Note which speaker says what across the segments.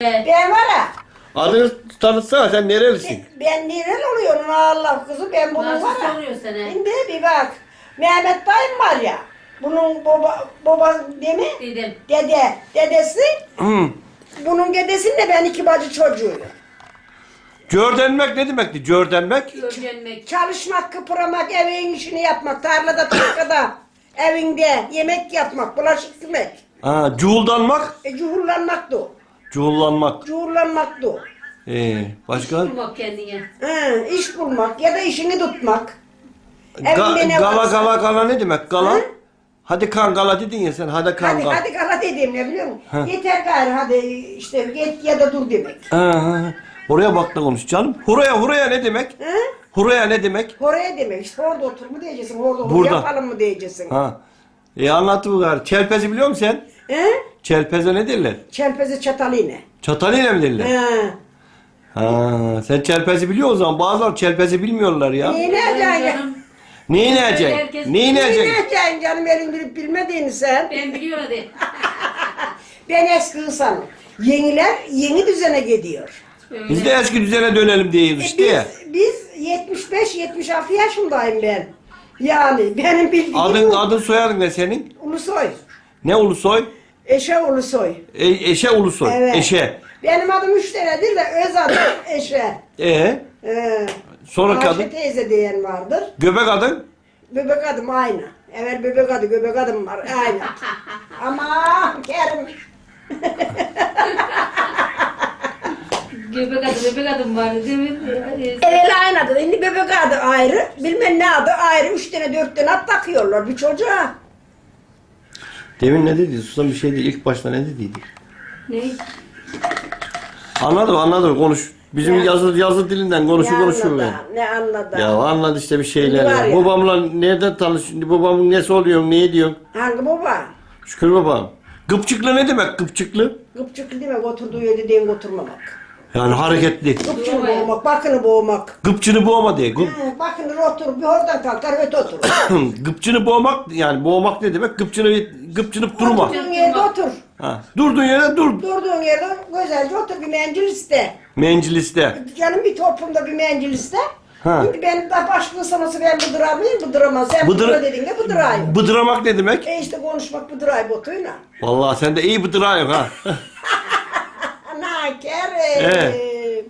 Speaker 1: Ben var ya.
Speaker 2: Adını tanıtsana, sen nerelisin?
Speaker 1: Ben nereli oluyorum Allah kızım, ben bunun
Speaker 3: Nasıl
Speaker 1: var ya.
Speaker 3: soruyor sana?
Speaker 1: Şimdi bir bak. Mehmet dayım var ya. Bunun baba değil mi?
Speaker 3: Dedim.
Speaker 1: Dedesi.
Speaker 2: Hı.
Speaker 1: Bunun dedesinin de ben iki bacı çocuğuyum.
Speaker 2: Gördenmek ne demekti? Gördenmek?
Speaker 3: Öğrenmek.
Speaker 1: Çalışmak, kıpırmak, evin işini yapmak, tarlada, tarlada, evinde yemek yapmak, bulaşık yıkamak.
Speaker 2: Ha, cuhuldanmak?
Speaker 1: Cuhurlanmak da o.
Speaker 2: Cuhullanmak.
Speaker 1: Cuhurlanmak da o.
Speaker 2: Başka?
Speaker 3: Bulmak kendine.
Speaker 1: İş bulmak ya da işini tutmak.
Speaker 2: Gala
Speaker 1: Evinde ne varsa.
Speaker 2: gala ne demek? Gala?
Speaker 1: Hı?
Speaker 2: Hadi kan gala dedin ya sen. Hadi kan
Speaker 1: Hadi
Speaker 2: gala.
Speaker 1: hadi kala dediğim ne biliyor musun?
Speaker 2: Ha.
Speaker 1: Yeter gayrı hadi işte git ya da dur demek.
Speaker 2: Ha. Oraya bak da konuş canım. Huraya ne demek?
Speaker 1: Hı?
Speaker 2: Huraya ne demek?
Speaker 1: Oraya demek işte orada otur mu diyeceksin, orada otur
Speaker 2: Burada.
Speaker 1: yapalım mı diyeceksin.
Speaker 2: Ha. Anlat bu kadar. Çelpezi biliyor musun sen?
Speaker 1: He?
Speaker 2: Çelpeze ne derler?
Speaker 1: Çelpezi çatal iğne.
Speaker 2: Çatalıyla mı derler?
Speaker 1: He.
Speaker 2: Ha. Sen çelpezi biliyor o zaman. Bazıları çelpezi bilmiyorlar ya.
Speaker 1: Neyi ne edeceksin?
Speaker 3: Canım,
Speaker 2: Neyi ne
Speaker 3: Herkes-
Speaker 2: edeceksin? Neyi ne
Speaker 1: Neyi ne
Speaker 2: edeceksin?
Speaker 1: edeceksin canım elin bilip bilmediğini sen.
Speaker 3: ben biliyorum hadi.
Speaker 1: Ben eski insanım. Yeniler yeni düzene gidiyor.
Speaker 3: Öyle.
Speaker 2: Biz de eski düzene dönelim diyoruz işte ya.
Speaker 1: Biz 75-76 yaşındayım ben. Yani benim bildiğim
Speaker 2: Adın soyadın ne senin?
Speaker 1: Ulusoy.
Speaker 2: Ne Ulusoy?
Speaker 1: Eşe Ulusoy.
Speaker 2: Eşe Ulusoy.
Speaker 1: Evet.
Speaker 2: Eşe.
Speaker 1: Benim adım 3 tanedir de öz adım Eşe.
Speaker 2: Sonraki
Speaker 1: Ayşe
Speaker 2: adın?
Speaker 1: teyze diyen vardır.
Speaker 2: Göbek adın?
Speaker 1: Bebek adım aynı. Evet bebek adı, göbek adım var aynı. Ama Kerim.
Speaker 3: Göbek adım vardı değil mi?
Speaker 1: Evet aynı adı. Şimdi bebek adı ayrı. Bilmem ne adı ayrı. 3 tane 4 tane at takıyorlar bir çocuğa.
Speaker 2: Demin ne dedi? Susan bir şeydi. İlk başta ne dediydi?
Speaker 3: Ne?
Speaker 2: Anladım konuş. Bizim
Speaker 1: Ya.
Speaker 2: yazı dilinden konuşuyor.
Speaker 1: anladı? Ne anladı?
Speaker 2: Ya anladı işte bir şeyler.
Speaker 1: Var ya.
Speaker 2: Babamla nereden tanış? Şimdi babamın nesi oluyor? Ne diyorsun?
Speaker 1: Hangi baba?
Speaker 2: Şükür babam. Gıpçıklı ne demek gıpçıklı?
Speaker 1: Gıpçıklı demek oturduğu yerde değil oturmamak.
Speaker 2: Yani hareketli.
Speaker 1: Gıpçını boğmak, bakını boğmak.
Speaker 2: Gıpçını boğma diye.
Speaker 1: Bakını otur, bir oradan kalkar öte otur.
Speaker 2: Gıpçını boğmak yani boğmak ne demek? Gıpçınıp durma.
Speaker 1: Oturduğun yerde otur.
Speaker 2: Ha. Durduğun yere dur.
Speaker 1: Durduğun yerde güzelce otur bir mendil iste.
Speaker 2: Menciliste.
Speaker 1: Canım bir toplumda bir mendil iste.
Speaker 2: Ha.
Speaker 1: Şimdi ben de başka sanatı ben bıdırar mıyım? Bıdıramaz. Sen bıdıra dediğinde bıdırayım.
Speaker 2: Bıdıramak ne demek?
Speaker 1: İşte konuşmak bıdırayım botuyla.
Speaker 2: Vallahi sen de iyi bıdırayım ha.
Speaker 1: Ana Kerim.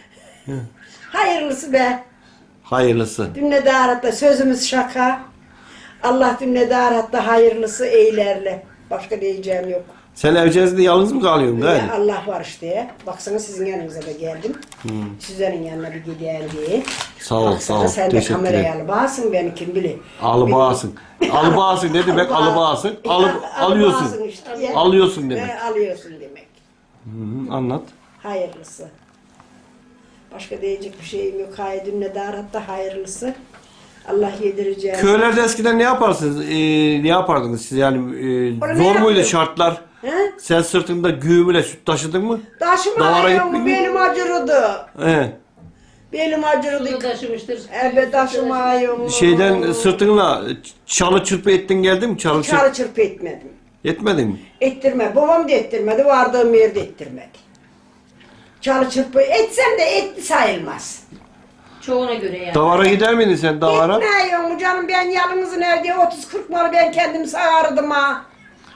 Speaker 1: Hayırlısı be.
Speaker 2: Hayırlısı.
Speaker 1: Dünyada ahirette sözümüz şaka. Allah dünyada ahirette hayırlısı eylerle. Başka diyeceğim yok.
Speaker 2: Sen evcezinde yalnız mı kalıyorsun
Speaker 1: Ya
Speaker 2: galiba?
Speaker 1: Allah var işte. Baksana sizin yanınıza da geldim. Sizlerin yanına bir gideyim diye.
Speaker 2: Sağ ol,
Speaker 1: Baksana
Speaker 2: sağ ol.
Speaker 1: sen de
Speaker 2: Teşekkür
Speaker 1: kameraya
Speaker 2: ederim.
Speaker 1: alıbağsın beni kim bilir.
Speaker 2: Alıbağasın. Alıbağasın ne demek? Alıbağasın. Alıyorsun.
Speaker 1: Alıbağasın işte. Ya.
Speaker 2: Alıyorsun demek.
Speaker 1: Alıyorsun demek.
Speaker 2: Anlat.
Speaker 1: Hayırlısı. Başka diyecek bir şeyim yok. Hayır dünyada hatta hayırlısı. Allah yedireceğim.
Speaker 2: Köylerde eskiden ne yaparsınız? Ne yapardınız siz yani?
Speaker 1: Orada ne
Speaker 2: Zor muydu
Speaker 1: yapıyor?
Speaker 2: şartlar?
Speaker 1: He?
Speaker 2: Sen sırtında güğümüyle süt taşıdın mı? Davara
Speaker 1: Taşımayım
Speaker 2: gittin mi?
Speaker 1: benim acırıdı.
Speaker 2: He.
Speaker 1: Benim acırdı.
Speaker 3: Bunu taşımıştır.
Speaker 1: Evet taşımayım.
Speaker 2: Şeyden sırtınla çalı çırpı ettin geldi mi? Çalı çırpı
Speaker 1: Çarı çırpı etmedim.
Speaker 2: etmedin mi?
Speaker 1: Ettirme. Babam da ettirmedi. Vardığım yerde ettirmedi. Çalı çırpı etsem de etli sayılmaz.
Speaker 3: Çoğuna göre yani.
Speaker 2: Davara gider miydin sen davara?
Speaker 1: Gitmiyorum canım ben yalnızın evde 30-40 malı ben kendim sağardım ha.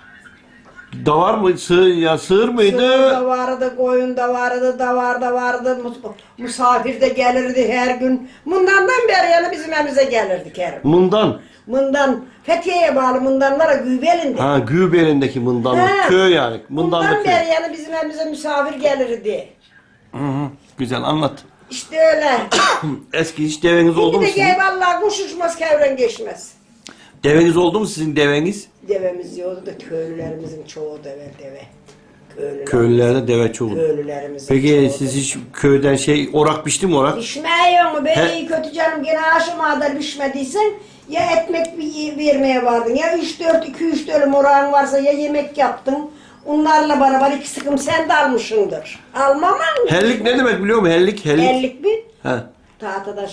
Speaker 2: Davar mı? Sığır
Speaker 1: Sığır
Speaker 2: mıydı?
Speaker 1: da vardı, koyun da vardı, davar da vardı, misafir de gelirdi her gün. Bundandan beri yani bizim evimize gelirdi Kerim.
Speaker 2: Mından.
Speaker 1: Mından, Fethiye'ye bağlı mındanlara Gübel'inde.
Speaker 2: Ha Gübelindeki mındanlık.
Speaker 1: Ha.
Speaker 2: Köy yani. Mındanlık
Speaker 1: Bundan
Speaker 2: köy.
Speaker 1: beri yani bizim evimize misafir gelirdi.
Speaker 2: Hı hı. Güzel anlat.
Speaker 1: İşte öyle.
Speaker 2: Eski hiç deveniz oldu
Speaker 1: Şimdi
Speaker 2: mu
Speaker 1: de
Speaker 2: sizin?
Speaker 1: gel vallahi kuş uçmaz kevren geçmez.
Speaker 2: Deveniz oldu mu sizin deveniz?
Speaker 1: Devemiz yoktu da köylülerimizin çoğu deve. Köylüler.
Speaker 2: Köylülerde deve çoğu.
Speaker 1: Köylülerimizin
Speaker 2: Peki
Speaker 1: çoğu
Speaker 2: siz hiç köyden orak biçti mi orak?
Speaker 1: Pişmiyor mu? Ben
Speaker 2: He.
Speaker 1: iyi kötü canım gene aşama kadar pişmediysen ya ekmek vermeye vardın ya 2-3 dönüm orağın varsa ya yemek yaptın. Onlarla beraber 2 sıkım sen de almışsındır. Almam mı?
Speaker 2: Hellik ne demek biliyor musun? Hellik.
Speaker 1: Ellik bir.
Speaker 2: He.
Speaker 1: Tahtadan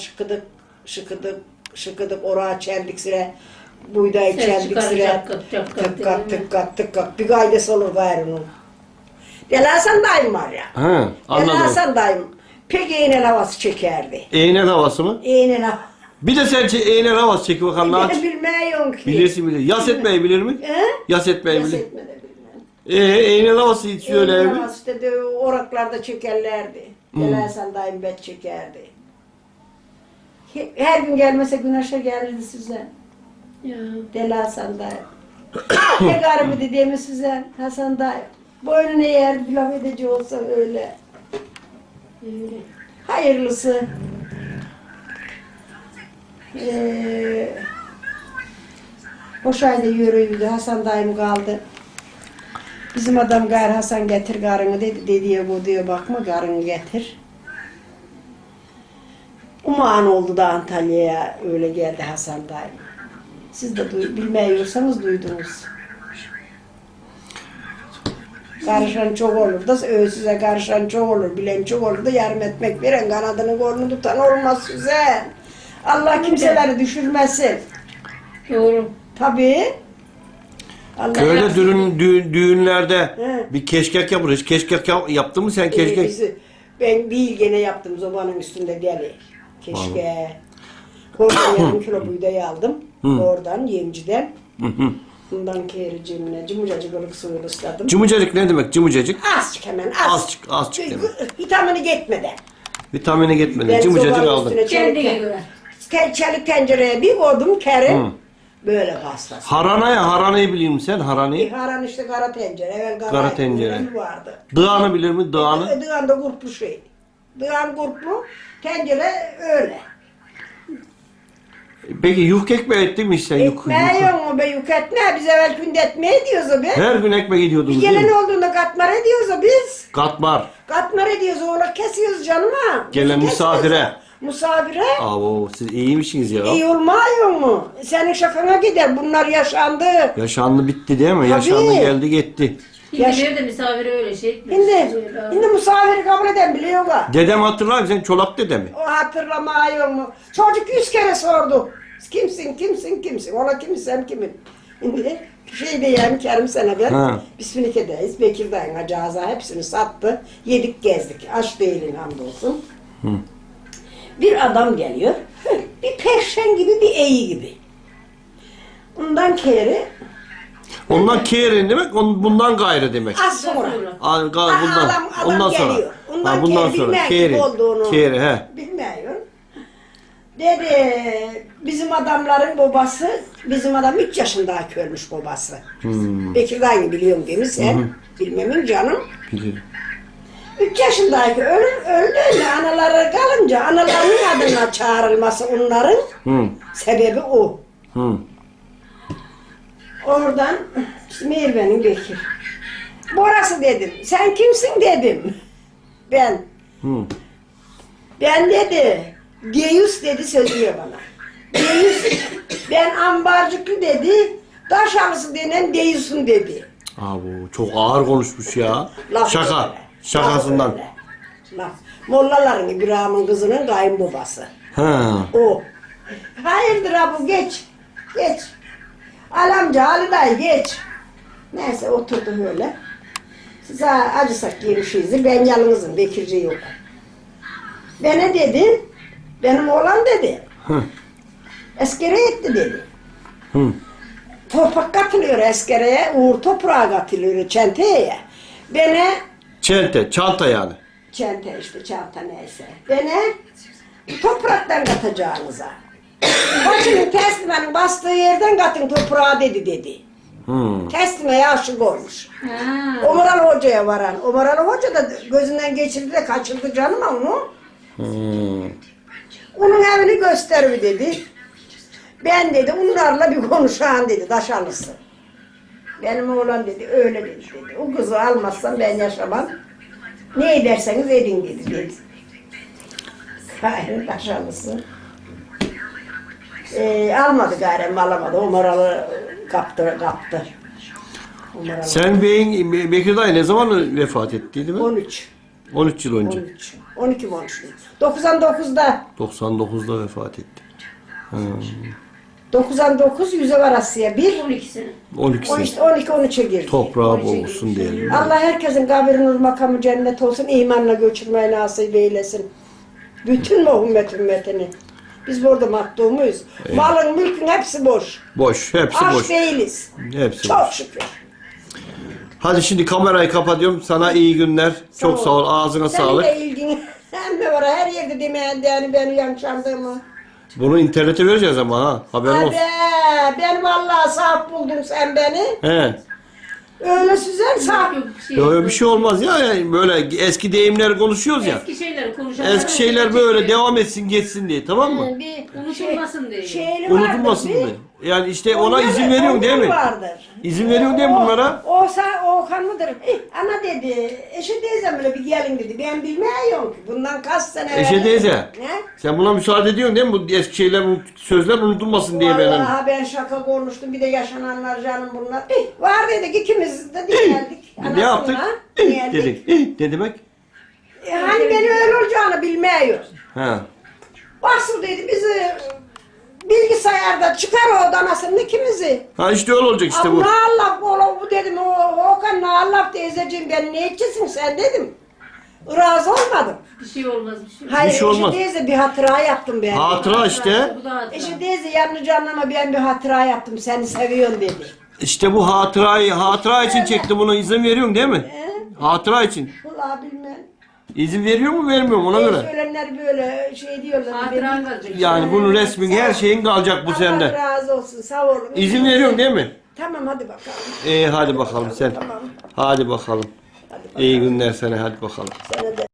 Speaker 1: şıkıdık orağa çeldik sıra. Buğdayı
Speaker 3: Ses
Speaker 1: çeldik
Speaker 3: çıkarır,
Speaker 1: sıra.
Speaker 3: cak kat, cak kat,
Speaker 1: Tık kat
Speaker 3: değil mi?
Speaker 1: tık kat tık kat. Bir gaydesi olur gayrının. Deli Hasan dayım var ya.
Speaker 2: Ha,
Speaker 1: Deli
Speaker 2: anladım.
Speaker 1: Hasan dayım pek iğnel havası çekerdi.
Speaker 2: Eğnel havası mı?
Speaker 1: İğnel havası.
Speaker 2: Bir de sen eğnel havası çek bakalım ne aç.
Speaker 1: Ben bilmiyorum ki.
Speaker 2: Bilirsin bilir. Yas etmeyi bilir mi?
Speaker 1: He?
Speaker 2: Yas etmeyi
Speaker 1: Yas
Speaker 2: bilir.
Speaker 1: etme de bilmem.
Speaker 2: Eğnel havası hiç söyle
Speaker 1: İğnel
Speaker 2: mi?
Speaker 1: havası işte de oraklarda çekerlerdi. Deli Hasan dayım bet çekerdi. Her gün gelmese güneşe gelirdi size.
Speaker 3: Ya.
Speaker 1: Deli Hasan dayım. Ne garibi dediğimi size Hasan dayım. Boynunu eğer bir laf edici olsa öyle.
Speaker 3: Öyle.
Speaker 1: Hayırlısı. Boş ayda yürüydü. Hasan dayım kaldı. Bizim adam gayrı Hasan getir karını dedi. Dediye bu diyor bakma karını getir. Uman oldu da Antalya'ya öyle geldi Hasan dayım. Siz de bilmiyorsanız duydunuz. Karışan çok olur da size karışan çok olur, bilen çok olur da yarım etmek veren kanadını kolunu tutan olmaz size. Allah kimseleri düşürmesin.
Speaker 3: Doğru.
Speaker 1: Tabii. Allah
Speaker 2: Köyde düğünlerde
Speaker 1: He.
Speaker 2: bir keşkek yapılır. Hiç keşkek yaptın mı sen keşkek?
Speaker 1: Ben değil gene yaptım zobanın üstünde deli. Keşke. Oradan yarım kilo buğday aldım. Oradan yemciden. Bundan kere cimine cımıcacık ılık suyunu ısladım.
Speaker 2: Cımıcacık ne demek cımıcacık?
Speaker 1: Azıcık hemen az.
Speaker 2: Azıcık demek.
Speaker 1: Vitamini gitmeden.
Speaker 2: Vitamini gitmedi.
Speaker 1: Ben
Speaker 2: Cımıcacık
Speaker 1: sobanın
Speaker 2: aldın.
Speaker 1: üstüne
Speaker 3: Kendine göre.
Speaker 1: çelik tencereye bir koydum kerim. Böyle hastası.
Speaker 2: Haranayı biliyor musun sen? Haranayı.
Speaker 1: Haran işte kara tencere. Evvel
Speaker 2: Kara tencere.
Speaker 1: tencere vardı.
Speaker 2: Dağını bilir mi? Dağını.
Speaker 1: Dığan da kurtlu şey. Dığan kurtlu, tencere öyle.
Speaker 2: Peki yufka ekmeği ettin mi sen?
Speaker 1: Ekmeği yok mu be yük etme. Biz evvel günde etme ediyoruz o be.
Speaker 2: Her gün ekmek
Speaker 1: Bir
Speaker 2: ediyordunuz değil
Speaker 1: gelen
Speaker 2: mi?
Speaker 1: olduğunda katmer ediyoruz o biz.
Speaker 2: Katmar.
Speaker 1: Katmer ediyoruz oğlak kesiyoruz canıma.
Speaker 2: Gelen
Speaker 1: Biz
Speaker 2: misafire.
Speaker 1: kesiyoruz. Misafire.
Speaker 2: Abo siz iyiymişsiniz ya.
Speaker 1: İyi olmuyor mu? Senin şakana gider. Bunlar yaşandı.
Speaker 2: Yaşandı bitti değil mi?
Speaker 1: Tabii.
Speaker 2: Yaşandı geldi gitti.
Speaker 3: Şimdi nerede misafire öyle şey etmez.
Speaker 1: Şimdi misafiri kabul eden biliyor mu?
Speaker 2: Dedem hatırlar mısın? Sen Çolak dede mi?
Speaker 1: O hatırlamıyor mu? Çocuk 100 kere sordu. Kimsin? Ola kimsin kimin? Şimdi şey diyeyim Kerim senedir.
Speaker 2: Ha.
Speaker 1: Bismillahirrahmanirrahim. Bekir dayın acaza hepsini sattı. Yedik gezdik. Aç değilim hamdolsun. Bir adam geliyor. Bir perşen gibi bir eği gibi. Ondan kere
Speaker 2: Ondan kerin demek, bundan gayrı demek.
Speaker 1: az sonra.
Speaker 2: Bundan,
Speaker 1: Adam
Speaker 2: ondan sonra.
Speaker 1: geliyor. Ondan,
Speaker 2: Bundan
Speaker 1: kere
Speaker 2: sonra.
Speaker 1: bilmeyen
Speaker 2: Keri.
Speaker 1: gibi olduğunu.
Speaker 2: Keri he.
Speaker 1: Bilmiyor. Dedi bizim adamların babası, bizim adam 3 yaşındaki ölmüş babası. Bekir dayını biliyorum değil mi sen? Bilmemin canım.
Speaker 2: Bilirim.
Speaker 1: 3 yaşındaki öldü anaları kalınca analarının adına çağrılması onların sebebi o. Oradan işte Merve'nin Bekir. Burası dedim. Sen kimsin dedim. Ben. Ben dedi. Deyus dedi sözlüyor bana. Deyus ben ambarcıklı dedi. Taşalısı denen Deyus'un dedi.
Speaker 2: Abi çok ağır konuşmuş ya.
Speaker 1: Laf
Speaker 2: Şaka.
Speaker 1: öyle.
Speaker 2: Şakasından.
Speaker 1: Laf öyle. Laf. Mollaların İbrahim'in kızının kayınbabası.
Speaker 2: Ha.
Speaker 1: O. Hayırdır abi geç. Geç. Alamca Ali dayı geç. Neyse oturdu öyle. Size acısak yemişiz. Ben yalnızım. Bekirci yok. Bana dedi. Benim oğlan dedi. Eskere etti dedi. Toprak katılıyor eskereye. Uğur toprağa katılıyor çenteye. Bana
Speaker 2: Çanta yani.
Speaker 1: çente işte çanta neyse. Bana topraktan katacağınıza. Koçunun teslimenin bastığı yerden katın toprağa dedi. Teslimeye aşık olmuş.
Speaker 3: Ha.
Speaker 1: Omuralı Hoca'ya varan. Omuralı Hoca da gözünden geçirdi de kaçırdı canım onu. Onun evini göster mi dedi. Ben dedi onlarla bir konuşan dedi Taşalısı. Benim oğlan dedi öyle dedi. O kızı almazsam ben yaşamam. Ne ederseniz edin dedi. Hayır Taşalısı. Almadı gayrem alamadı. Omuralı kaptı. Omuralı.
Speaker 2: Sen Bekir dayı ne zaman vefat ettiydi mi?
Speaker 1: 13.
Speaker 2: 13 yıl önce.
Speaker 1: 13. 12 13. 99'da.
Speaker 2: 99'da vefat etti.
Speaker 1: 9'dan 9, 100'e var Asya. 1,
Speaker 3: 12 sene.
Speaker 2: 12
Speaker 1: o
Speaker 2: sene.
Speaker 1: işte 12-13'e girdi.
Speaker 2: Toprağı bol olsun diyelim.
Speaker 1: Allah herkesin kabri nur makamı cennet olsun, imanla göçürmeyi nasip eylesin. Bütün ümmetini. Biz burada mahdumuyuz. Malın, mülkün hepsi boş.
Speaker 2: Boş. Hepsi
Speaker 1: Aç
Speaker 2: boş.
Speaker 1: değiliz.
Speaker 2: Hepsi
Speaker 1: Çok
Speaker 2: boş.
Speaker 1: şükür.
Speaker 2: Hadi şimdi kamerayı kapatıyorum. Sana iyi günler. Çok sağ ol. Ağzına
Speaker 1: Senin
Speaker 2: sağlık.
Speaker 1: de ilgin hem de var her yerde demeyen yani beni yanlışandığımı.
Speaker 2: Bunu internete vereceğiz ama ha. Haberin olsun.
Speaker 1: Hadi ben vallahi sahip buldun sen beni.
Speaker 2: He.
Speaker 1: Öyle süzer sahip.
Speaker 3: Yok,
Speaker 2: Böyle bir şey olmaz ya. Yani böyle eski deyimleri konuşuyoruz ya.
Speaker 3: Eski şeyleri konuşalım.
Speaker 2: Eski şeyler böyle devam etsin geçsin diye, tamam mı?
Speaker 1: Bir
Speaker 3: Unutulmasın diye.
Speaker 1: şeyli
Speaker 2: Unutulmasın
Speaker 1: vardır,
Speaker 2: diye. Yani işte ona
Speaker 1: Onlar-
Speaker 2: izin veriyorsun değil mi?
Speaker 1: onlar Vardır.
Speaker 2: İzin veriyorsun değil mi bunlara?
Speaker 1: O kan mıdır? Ana dedi, Eşe teyzem öyle bir gelin dedi. Ben bilmiyorum ki. Bundan kaç sene
Speaker 2: Eşe teyze.
Speaker 1: Ne?
Speaker 2: Sen buna müsaade ediyorsun değil mi? Bu eski şeyler, sözler unutulmasın diye benim.
Speaker 1: Vallahi ben şaka konuştum. Bir de yaşananlar canım bunlar. Var dedik ikimiz de geldik.
Speaker 2: Ne yaptık?
Speaker 1: Geldik.
Speaker 2: Dedik. Ne demek?
Speaker 1: Hani beni öyle olacağını bilmiyoruz.
Speaker 2: Ha.
Speaker 1: Basıl dedi bizi bilgisayarda çıkar o danasının ikimizi.
Speaker 2: Ha işte öyle olacak işte
Speaker 1: Ama
Speaker 2: bu.
Speaker 1: ne Allah bu dedim. Okan ne Allah teyzeciğim ben ne edeceksin sen dedim. Razı olmadım.
Speaker 3: Bir şey olmaz bir şey.
Speaker 1: Hayır
Speaker 2: Bir şey olmaz.
Speaker 1: Eşe teyze bir hatıra yaptım ben.
Speaker 2: Hatıra işte.
Speaker 3: Bu da hatıra.
Speaker 1: Eşe teyze yanlış anlama ben bir hatıra yaptım seni seviyorum dedi.
Speaker 2: İşte bu hatıra için çekti bunu. İzin veriyorsun değil mi? Hatıra için.
Speaker 1: Vallahi bilmem.
Speaker 2: İzin veriyor mu vermiyor mu ona göre?
Speaker 1: Söylenler böyle şey diyorlar.
Speaker 3: Hatıran kalacak.
Speaker 2: Yani bunun resmin her şeyin kalacak bu
Speaker 1: Allah
Speaker 2: sende.
Speaker 1: razı olsun sağ olun.
Speaker 2: İzin veriyorsun değil mi?
Speaker 1: Tamam hadi bakalım.
Speaker 2: Hadi bakalım sen.
Speaker 1: Tamam.
Speaker 2: Hadi bakalım.
Speaker 1: Hadi bakalım.
Speaker 2: İyi günler sana, hadi bakalım.
Speaker 1: Sana da.